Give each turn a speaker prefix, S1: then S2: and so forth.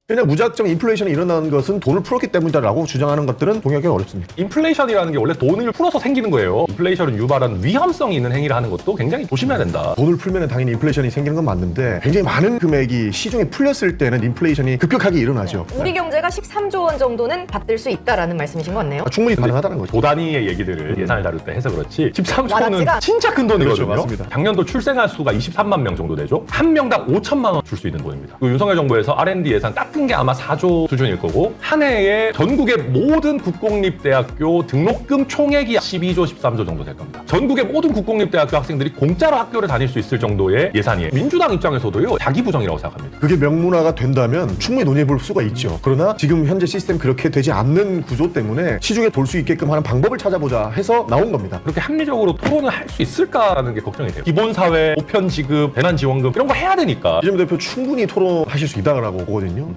S1: 그냥 무작정 인플레이션이 일어나는 것은 돈을 풀었기 때문이다라고 주장하는 것들은 동의하기 어렵습니다.
S2: 인플레이션이라는 게 원래 돈을 풀어서 생기는 거예요. 인플레이션을 유발하는 위험성이 있는 행위를 하는 것도 굉장히 조심해야 된다.
S1: 돈을 풀면 당연히 인플레이션이 생기는 건 맞는데 굉장히 많은 금액이 시중에 풀렸을 때는 인플레이션이 급격하게 일어나죠.
S3: 우리 경제가 13조 원 정도는 받들 수 있다라는 말씀이신 것 같네요.
S1: 충분히 가능하다는 거죠.
S2: 도단위의 얘기들을 예산을 다룰 때 해서 그렇지 13조는
S3: 와닿지가
S2: 진짜 큰 돈이거든요.
S1: 그렇죠, 맞습니다.
S2: 작년도 출생아 수가 23만 명 정도 되죠. 한 명당 5천만 원 줄 수 있는 돈입니다. 그 윤석열 정부에서 R&D 예산 깎은 게 아마 4조 수준일 거고 한 해에 전국의 모든 국공립대학교 등록금 총액이 12조, 13조 정도 될 겁니다. 전국의 모든 국공립대학교 학생들이 공짜로 학교를 다닐 수 있을 정도의 예산이에요. 민주당 입장에서도요. 자기 부정이라고 생각합니다.
S1: 그게 명문화가 된다면 충분히 논의해 볼 수가 있죠. 그러나 지금 현재 시스템 그렇게 되지 않는 구조 때문에 시중에 돌 수 있게끔 하는 방법을 찾아보자 해서 나온 겁니다.
S2: 그렇게 합리적으로 토론을 할 수 있을까라는 게 걱정이 돼요. 기본사회, 보편지급, 대난지원금 이런 거 해야 되니까.
S1: 이재명 대표 충분히 토론하실 수 있다고 보거든요.